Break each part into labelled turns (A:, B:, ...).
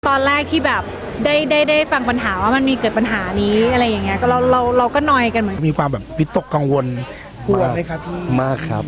A: ตอนแรกที่แบบได้ฟังปัญหาว่ามันมีเกิดปัญหานี้อะไรอย่างเงี้ยก็เราก็นอยกันเหมือน
B: มีความแบบวิตกกังวลกลัวไหมครับพี่
C: มากครับ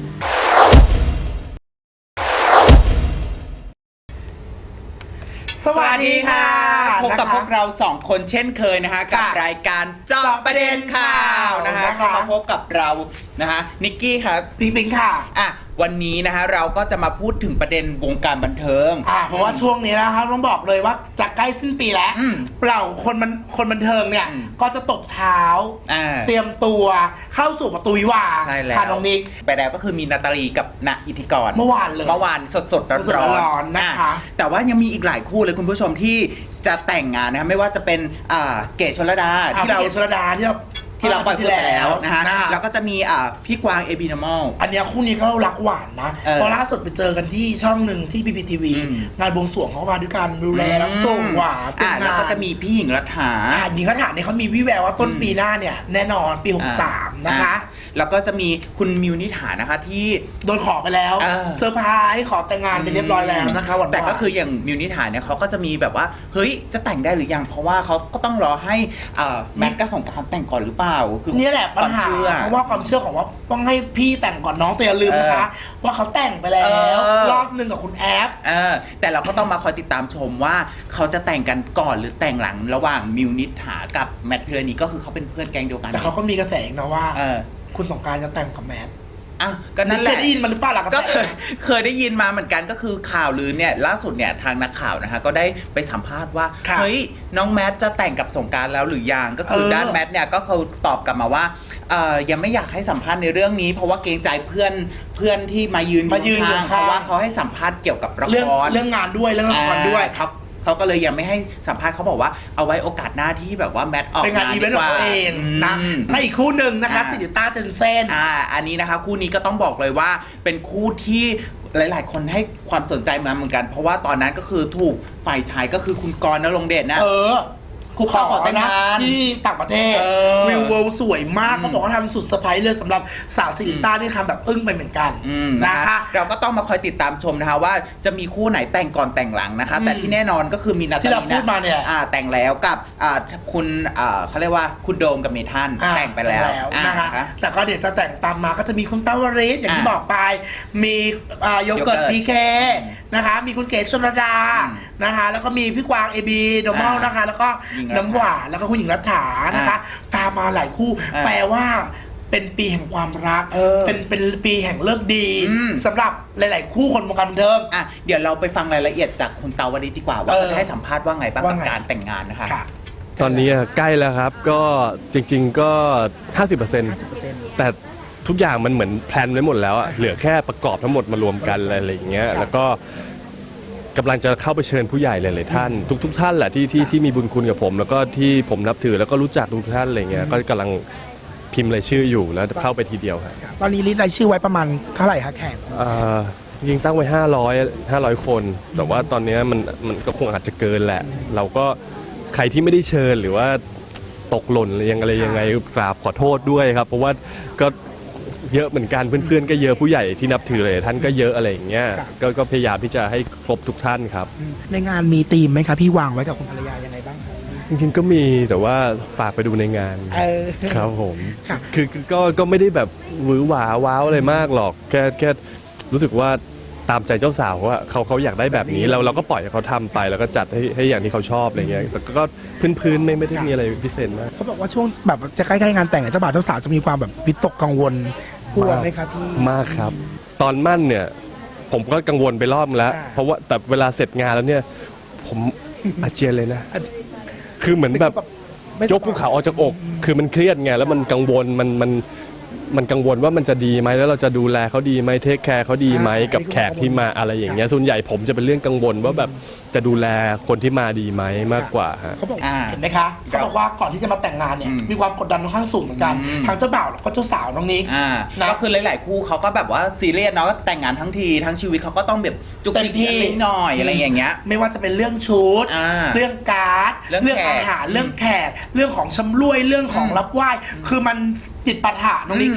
D: สวัสดีค่ะพบกับพวกเรา2คนเช่นเคยนะคะกับรายการเจาะประเด็นข่าวนะคะก็มาพบกับเรานะคะนิกกี้ครับ
B: ปิงค่ะ
D: วันนี้นะคะเราก็จะมาพูดถึงประเด็นวงการบันเทิง
B: เพราะว่าช่วงนี้นะครับต้องบอกเลยว่าจะใกล้สิ้นปีแล้วเปล่าคนบันเทิงเนี่ยก็จะตบเท้าเตรียมตัวเข้าสู่ประตูวิวาห์ค่ะน้องนิก
D: ไปแล้วก็คือมีนาตาลีกับณอิทธิกร
B: เมื่อวาน
D: สดร้อน
B: นะคะ
D: แต่ว่ายังมีอีกหลายคู่เลยคุณผู้ชมที่จะแต่งงานนะครับไม่ว่าจะเป็นเกศชลดาที่เราปล่อยพูดไปแล้วนะฮะแล้วก็จะมีพี่กวางเอบีนอมอล
B: อันนี้คู่นี้ก็รักหวานนะเพราะล่าสุดไปเจอกันที่ช่องหนึ่งที่ PPTV งานบวงสรวงเขามาด้วยกันดูแลรับส่งหวาน
D: แล้วก็จะมีพี่หญิงรัฐา
B: หญิงรัฐาเนี่ยเขามีวิแววว่าต้นปีหน้าเนี่ยแน่นอนปี63นะคะ
D: แล้วก็จะมีคุณมิวนิถานะคะที่
B: โดนขอไปแล้วเซอร์ไพรส์ขอแต่งงานไปเรียบร้อยแล้วนะคะ
D: แต่ก็คืออย่างมิวนิถาเนี่ยเขาก็จะมีแบบว่าเฮ้ยจะแต่งได้หรือยังเพราะว่าเขาก็ต้องรอให้แมทกับสงกรานต์แต่งก่อนหรือเปล่า
B: นี่แหละปัญหาเพราะว่าความเชื่อของว่าต้องให้พี่แต่งก่อนน้องแต่อย่าลืมนะคะว่าเขาแต่งไปแล้วรอบนึงกับคุณแอฟ
D: แต่เราก็ต้องมาคอยติดตามชมว่าเขาจะแต่งกันก่อนหรือแต่งหลังระหว่างมิวนิถากับแมทพิรณีก็คือเขาเป็นเพื่อนแก๊งเดียวกัน
B: แต่เขาก็มีกระแสนะว่าคุณสงกรานต์จะแต่งกับแมท
D: ก็นั่นแหละ
B: เคยได้ยินมาหรือเปล่าล่ะ
D: ก็เคยได้ยินมาเหมือนกันก็คือข่าวลือเนี่ยล่าสุดเนี่ยทางนักข่าวนะคะก็ได้ไปสัมภาษณ์ว่าเฮ้ยน้องแมทจะแต่งกับสงกรานต์แล้วหรือยังก็คือด้านแมทเนี่ยก็เขาตอบกลับมาว่ายังไม่อยากให้สัมภาษณ์ในเรื่องนี้เพราะว่าเกรงใจเพื่อนที่มายืนข้างเพราะว่าเขาให้สัมภาษณ์เกี่ยวกับละคร
B: เรื่องงานด้วยเรื่องละครด้วย
D: เขาก็เลยยังไม่ให้สัมภาษณ์เขาบอกว่าเอาไว้โอกาสหน้าที่แบบว่าแมทออก
B: งานอีเวนต์ของตัวเองนะและอีกคู่หนึ่งนะคะซิลิต้าเจนเซน
D: อันนี้นะคะคู่นี้ก็ต้องบอกเลยว่าเป็นคู่ที่หลายๆคนให้ความสนใจมาเหมือนกันเพราะว่าตอนนั้นก็คือถูกฝ่ายชายก็คือคุณกรณ์ณรงค์เดชนะคุกเข่าขอแต่งงาน
B: ที่ต่างประเทศวิวเวิลด์สวยมากเขาบอกว่าทำสุดเซอร์ไพรส์เลยสำหรับสาวซิลิต้าที่ทำแบบอึ้งไปเหมือนกัน
D: นะคะเราก็ต้องมาคอยติดตามชมนะคะว่าจะมีคู่ไหนแต่งก่อนแต่งหลังนะคะแต่ที่แน่นอนก็คือมีนาตาลี
B: ที่เราพูดมาเนี่ย
D: แต่งแล้วกับคุณเขาเรียกว่าคุณโดมกับเมทันแต่งไปแล้ว
B: นะคะแต่ก็เดี๋ยวจะแต่งตามมาก็จะมีคุณเต้าวริศอย่างที่บอกไปมีโยเกิร์ตพีเคนะคะมีคุณเกศชลดานะคะแล้วก็มีพี่กวางเอบีโดมอลนะคะแล้วก็น้ำหวานแล้วก็คุณหญิงรัฐานะคะตามมาหลายคู่แปลว่าเป็นปีแห่งความรักเป็นปีแห่งเลิกดีสำหรับหลายๆคู่คนวงการบันเทิง
D: เดี๋ยวเราไปฟังรายละเอียดจากคุณเตาวริศดีกว่าว่าจะให้สัมภาษณ์ว่าไงบ้างกับการแต่งงานนะคะ
C: ตอนนี้ใกล้แล้วครับก็จริงๆก็ 50%แต่ทุกอย่างมันเหมือนแพลนไว้หมดแล้วเหลือแค่ประกอบทั้งหมดมารวมกันอะไรอย่างเงี้ยแล้วก็กำลังจะเข้าไปเชิญผู้ใหญ่หลายๆท่านทุกท่านแหละที่มีบุญคุณกับผมแล้วก็ที่ผมนับถือแล้วก็รู้จักทุกท่านอะไรเงี้ยก็กำลังพิมพ์รายชื่ออยู่แล้วเข้าไปทีเดียวครับ
B: ตอนนี้ลิสต์รายชื่อไว้ประมาณเท่าไหร่คะแขก
C: จริงๆตั้งไว้500 คนแต่ว่าตอนนี้มันก็คงอาจจะเกินแหละเราก็ใครที่ไม่ได้เชิญหรือว่าตกหล่นอะไรยังไงกราบขอโทษด้วยครับเพราะว่าก็เยอะเหมือนกันเพื่อนๆก็เยอะผู้ใหญ่ที่นับถือเลยท่านก็เยอะอะไรอย่างเงี้ยก็พยายามที่จะให้ครบทุกท่านครับ
B: ในงานมีธีมไหมครับพี่วางไว้กับคุณภรรยายังไงบ้าง
C: จริงๆก็มีแต่ว่าฝากไปดูในงานครับผมคือก็ไม่ได้แบบหวือหวาว้าวอะไรมากหรอกแค่รู้สึกว่าตามใจเจ้าสาวว่าเขาอยากได้แบบนี้เราก็ปล่อยให้เขาทำไปแล้วก็จัดให้อย่างที่เขาชอบอะไรเงี้ยแต่ก็พื้นไม่ได้มีอะไรพิเศษมาก
B: เขาบอกว่าช่วงแบบจะใกล้ๆงานแต่งเจ้าบ่าวเจ้าสาวจะมีความแบบวิตกกังวลกลัวไหมครับพี่
C: มากครับตอนมั่นเนี่ยผมก็กังวลไปรอบแล้วเพราะว่าแต่เวลาเสร็จงานแล้วเนี่ยผมอาเจียนเลยนะคือเหมือนแบบยกภูเขาออกจากอกคือมันเครียดไงแล้วมันกังวลมันกังวลว่ามันจะดีไหมแล้วเราจะดูแลเขาดีไหมเทคแคร์เขาดีไหมกับแขกที่มาอะไรอย่างเงี้ยส่วนใหญ่ผมจะเป็นเรื่องกังวลว่าแบบจะดูแลคนที่มาดีไหมมากกว่าฮะ
B: เขาบอกเห็นไหมคะเขาบอกว่าก่อนที่จะมาแต่งงานเนี่ยมีความกดดันค่อนข้างสูงเหมือนกันทั้งเจ้าบ่าวแล้วก็เจ้าสาวน้องนิก
D: ก็คือหลายๆคู่เขาก็แบบว่าซีเรียสเนาะแต่งงานทั้งทีทั้งชีวิตเขาก็ต้องแบบจุกจิกนิดหน่อยอะไรอย่างเงี้ย
B: ไม่ว่าจะเป็นเรื่องชุดเรื่องการ์ดเรื่องอาหารเรื่องแขกเรื่องของชำร่วยเรื่องของรับไหว้คือมันจิตปาถะน้องนิก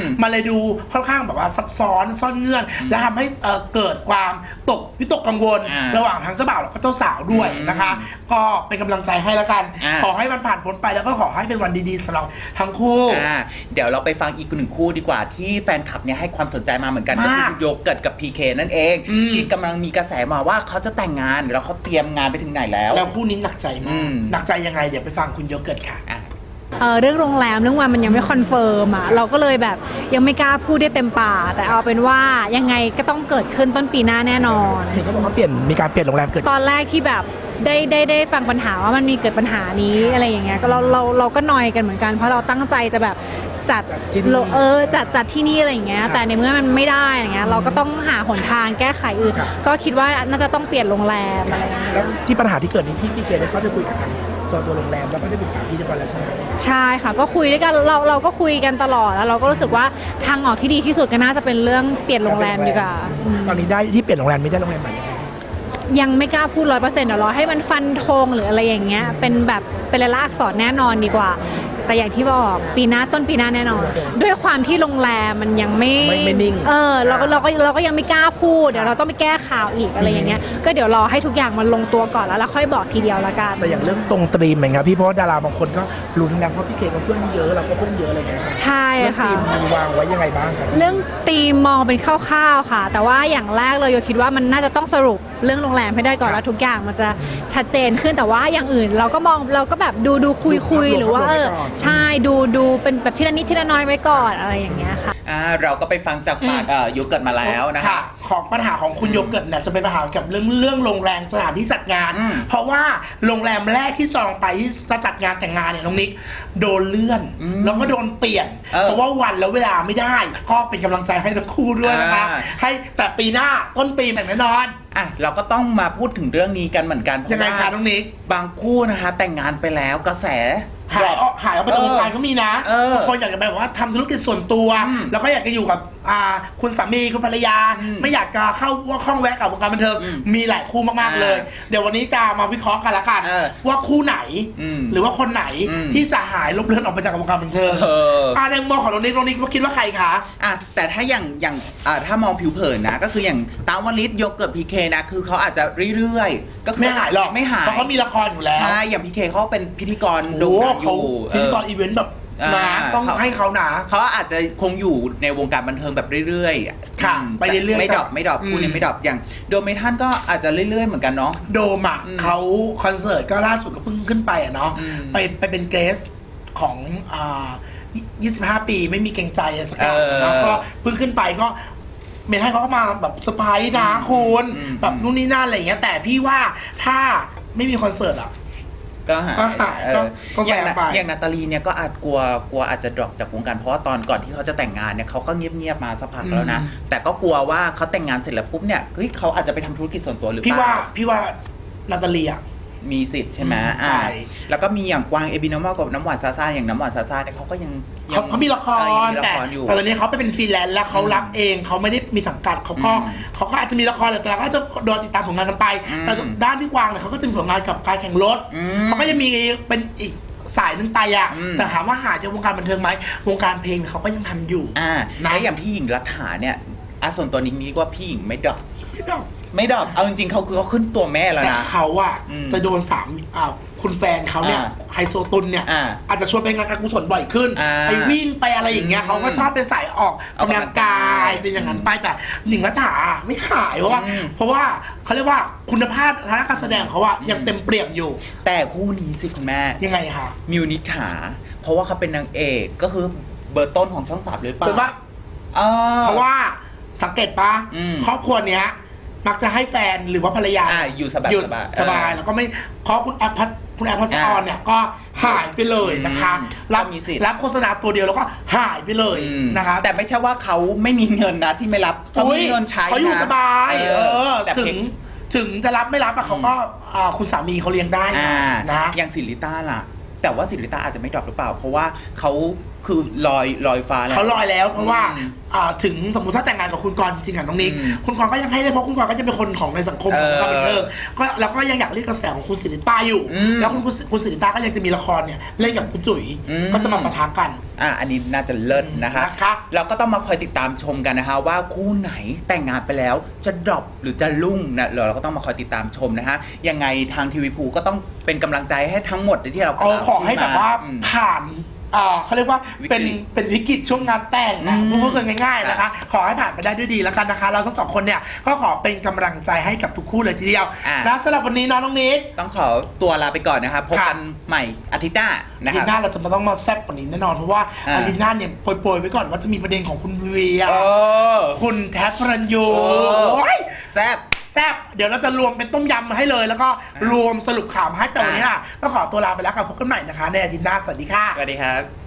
B: มันเลยดูค่อนข้างแบบว่าซับซ้อนซ่อนเงื่อน และทำให้เกิดความวิตกกังวล ระหว่างทั้งเจ้าบ่าวแล้วก็เจ้าสาวด้วยนะคะ ก็เป็นกำลังใจให้แล้วกัน ขอให้มันผ่านพ้นไปแล้วก็ขอให้เป็นวันดีๆสำหรับทั้งคู่
D: เดี๋ยวเราไปฟังอีกหนึ่งคู่ดีกว่าที่แฟนคลับเนี่ยให้ความสนใจมาเหมือนกันก็คือโยเกิร์ตกับ PK นั่นเองที่กำลังมีกระแสมาว่าเขาจะแต่งงานแล้วเขาเตรียมงานไปถึงไหนแล้ว
B: คู่นี้หนักใจมากหนักใจยังไงเดี๋ยวไปฟังคุณโยเกิร์ตค่ะ
A: เรื่องโรงแรมเรื่องวันมันยังไม่คอนเฟิร์มเราก็เลยแบบยังไม่กล้าพูดได้เต็มปากแต่เอาเป็นว่ายังไงก็ต้องเกิดขึ้นต้นปีหน้าแน่นอน
B: เห็นเขาบอกว่ามีการเปลี่ยนโรงแรมเกิด
A: ตอนแรกที่แบบได้ฟังปัญหาว่ามันมีเกิดปัญหานี้อะไรอย่างเงี้ยก็เราก็นอยกันเหมือนกันเพราะเราตั้งใจจะแบบจัดที่นี่อะไรอย่างเงี้ยแต่ในเมื่อมันไม่ได้อย่างเงี้ยเราก็ต้องหาหนทางแก้ไขอื่นก็คิดว่าน่าจะต้องเปลี่ยนโรงแรมอะไรอย่างเงี้ย
B: แล้วที่ปัญหาที่เกิดนี้พี่เคได้เข้าไปคุยกับตัวโรงแรมแล้วก็ได้ปรึกษาพี่เรียบร้อยแล้วใช่ไหม
A: ใช่ค่ะก็คุยด้วยกันเราก็คุยกันตลอดแล้วเราก็รู้สึกว่าทางออกที่ดีที่สุดก็น่าจะเป็นเรื่องเปลี่ยนโรงแรมดีกว่า
B: ตอนนี้ได้ที่เปลี่ยนโรงแรมไม่ได้โรงแรมใหม่
A: ยังไม่กล้าพูด100%เดี๋ยวรอให้มันฟันธงหรืออะไรอย่างเงี้ยเป็นแบบเป็นลายลักษณ์อักษรแน่นอนดีกว่าแต่อย่างที่บอกต้นปีหน้าแน่นอนด้วยความที่โรงแรมมันยังไม่
B: นิ่ง
A: เราก็ยังไม่กล้าพูดเดี๋ยวเราต้องไปแก้ข่าวอีกอะไรอย่างเงี้ยก็เดี๋ยวรอให้ทุกอย่างมันลงตัวก่อนแล้วค่อยบอกทีเดียวละกัน
B: แต่อย่างเรื่องตรงตรีมเหมือนกันพี่เพราะดาราบางคนก็ลุ้นนะเพราะพี่เคก็เพื่อนเยอะเราก็เพื่อนเยอะอะไรเงี้ย
A: ใช่ค่ะ
B: ตรีมมีวางไว้ยังไงบ้างครับ
A: เรื่องตรีมมองเป็นคร่าวๆค่ะแต่ว่าอย่างแรกเลยโยคิดว่ามันน่าจะต้องสรุปเรื่องโรงแรมให้ได้ก่อนแล้วทุกอย่างมันจะชัดเจนขึ้นแต่ว่าอย่างอื่นเราก็แบบดูคุยหรือว่าใช่ดูเป็นแบบทีละนิดทีละน้อยไว้ก่อนอะไรอย่างเงี้ยค่ะ
D: เราก็ไปฟังจากปากโยเกิร์ตมาแล้วนะคะ
B: ของปัญหาของคุณโยเกิร์ตเนี่ยจะเป็นปัญหากับเรื่องโรงแรมสถานที่จัดงานเพราะว่าโรงแรมแรกที่จองไปที่จะจัดงานแต่งงานเนี่ยน้องนิกโดนเลื่อนแล้วก็โดนเปลี่ยนเพราะว่าวันแล้วเวลาไม่ได้ก็เป็นกำลังใจให้ทั้งคู่ด้วยนะคะให้แต่ปีหน้าต้นปีแต่งแน่นอน
D: เราก็ต้องมาพูดถึงเรื่องนี้กันเหมือนกัน
B: ยังไงคะน้องนิก
D: บางคู่นะคะแต่งงานไปแล้วกระแส
B: หายออกไปจากวงการก็มีนะบางคนอยากจะแบบว่าทำธุรกิจส่วนตัวแล้วก็อยากจะอยู่กับคุณสามีคุณภรรยาไม่อยากจะเข้าข้องแวะกับวงการบันเทิงมีหลายคู่มากๆเลยเดี๋ยววันนี้จะมาวิเคราะห์กันละกันว่าคู่ไหนหรือว่าคนไหนที่จะหายลบเลือนออกไปจากวงการบันเทิงในมุมมองของน้องนิกคิดว่าใครคะ
D: แต่ถ้าอย่างถ้ามองผิวเผินนะก็คืออย่างตาวลิศโยเกิร์ตพีเคนะคือเขาอาจจะเรื่อยๆก็
B: ไม่หายหรอก
D: ไม่หาย
B: เพราะเขามีละครอยู่แล้ว
D: ใช่อย่างพีเคเขาเป็นพิธีกรโด่งดังอยู่
B: พิธีกรอีเวนต์แบบต้องให้เขาหนา
D: เขาอาจจะคงอยู่ในวงการบันเทิงแบบเรื่อย
B: ๆค่ะไปเรื่อยๆ
D: ไม่ดรอปคู่นี้ไม่ดรอปอย่างโดมเมทัลก็อาจจะเรื่อยๆเหมือนกันเนาะ
B: โดมเขาคอนเสิร์ตก็ล่าสุดก็เพิ่งขึ้นไปเนาะไปเป็นเกสของ25 ปีไม่มีเกรงใจสักอย่างแล้วก็เพิ่งขึ้นไปก็เมทัลเขาก็มาแบบเซอร์ไพรส์นะคุณแบบนู่นนี่นั่นอะไรอย่างเงี้ยแต่พี่ว่าถ้าไม่มีคอนเสิร์ต
D: ก็หายอย่างนาตาลีเนี่ยก็อาจกลัวอาจจะดรอปจากวงการเพราะว่าตอนก่อนที่เขาจะแต่งงานเนี่ยเขาก็เงียบๆมาสักพักแล้วนะแต่ก็กลัวว่าเขาแต่งงานเสร็จแล้วปุ๊บเนี่ยเฮ้ยเขาอาจจะไปทำธุรกิจส่วนตัวหรือเปล่า
B: พี่ว่านาตาลี
D: มีสิทธิ์ใช่ไหมแล้วก็มีอย่างกวางเอบินอมอลกับน้ำหวานซาซาอย่างน้ำหวานซาซาเนี่ยเขาก็ยัง
B: เขามีละครแต่ตอนนี้เขาไปเป็นฟรีแลนซ์แล้วเขารับเองเขาไม่ได้มีสังกัดเขาก็อาจจะมีละครแต่เราก็จะรอติดตามผลงานกันไปแต่ด้านที่วางเนี่ยเขาก็จะมีผลงานกับการแข่งรถเขาก็จะมีเป็นอีกสายนึงไปแต่ถามว่าหาจากวงการบันเทิงไหมวงการเพลงเขาก็ยังทำอยู่
D: นะอย่างพี่หญิงรัฐาเนี่ยส่วนตัวนี้ว่าพี่หญิงไม่ดรอปเอาจริงๆเขาขึ้นตัวแม่แล้วนะ
B: แต่เขาจะโดนคุณแฟนเขาเนี่ยไฮโซตุนเนี่ยอาจจะชวนไปงานการกุศลบ่อยขึ้นไปวิ่งไปอะไรอย่างเงี้ยเขาก็ชอบเป็นสายออกกำลังกายเป็นอย่างนั้นไปแต่หนิงรัฐาไม่ขายเพราะว่าเขาเรียกว่าคุณภาพทางการแสดงเขายังเต็มเปี่ยมอยู่
D: แต่คู่นี้สิคุณแม่
B: ยังไงคะ
D: มิวนิษฐาเพราะว่าเขาเป็นนางเอกก็คือเบอร์ต้นของช่อง3เลยป่ะ
B: ใช่ปะเพราะว่าสังเกตปะครอบครัวเนี้ยมักจะให้แฟนหรือว่าภรรยา
D: อยู่สบาย
B: แล้วก็ไม่เพราะคุณแอปพัสออนเนี่ยก็หายไปเลยนะคะรับโฆษณาตัวเดียวแล้วก็หายไปเลยนะคะ
D: แต่ไม่ใช่ว่าเขาไม่มีเงินนะที่ไม่รับเขามีเงินใช้
B: เขาอยู่สบายถึงจะรับไม่รับเขาก็คุณสามีเขาเลี้ยงได้นะ
D: อย่างศิริต้าล่ะแต่ว่าศิริต้าอาจจะไม่ดรอปหรือเปล่าเพราะว่าเขาคือลอยฟ้าแล้ว
B: เขาลอยแล้วเพราะว่า
D: อืม
B: ถึงสมมติถ้าแต่งงานกับคุณกรณ์จริงๆน้องนิก
D: อืม
B: คุณกรณ์ก็ยังให้ได้เพราะคุณกรณ์ก็จะเป็นคนของในสังคมของความบันเทิงก็แล้วก็ยังอยากเรียกกระแสของคุณสิริต้าอยู่
D: อืม
B: แล้วคุณสิริต้าก็ยังจะมีละครเนี่ยเล่นกับคุณจุ๋ย
D: อืม
B: ก็จะมาปะทะกัน
D: อันนี้น่าจะเลิศนะคะ
B: นะคะ
D: เราก็ต้องมาคอยติดตามชมกันนะคะว่าคู่ไหนแต่งงานไปแล้วจะดรอปหรือจะรุ่งนะเราก็ต้องมาคอยติดตามชมนะคะยังไงทางทีวีภูก็ต้องเป็นกำลังใจให้ทั้งหมดที่เรา
B: ขอให้แบบว่า
D: อืม
B: ผ่านเขาเรียกว่า
D: วิกฤต
B: เป็นวิกฤตช่วงงานแต่งนะ
D: อืม
B: พูดกันง่ายๆนะคะ ขอให้ผ่านไปได้ด้วยดีแล้วกันนะคะ เราทั้งสองคนเนี่ยก็ขอเป็นกำลังใจให้กับทุกคู่เลยทีเดียวนะสำหรับวันนี้น้องนิก
D: ต้องขอตัวลาไปก่อนนะครับพบกันใหม่อาทิตย์หน้านะ
B: อา
D: ค
B: ทิ
D: รั
B: ต
D: บ
B: ย์หน้าเราจะมาต้องมาแซบกว่านี้แน่นอนเพราะว่า
D: อ่า
B: อาทิตย์หน้าเนี่ยโปรยๆไว้ก่อนว่าจะมีประเด็นของคุณเวีย
D: เออ
B: คุณแท็กพระรัญยู
D: โอ้
B: โอ้ย
D: แซ่บ
B: แซบเดี๋ยวเราจะรวมเป็นต้มยำมาให้เลย แล้วก็รวมสรุปข่าวมาให้แต่วันนี้น่ะก็ขอตัวลาไปแล้วค่ะพบกันใหม่นะคะในอาทิตย์หน้าสวัสดีค่ะ
D: สวัสดีครับ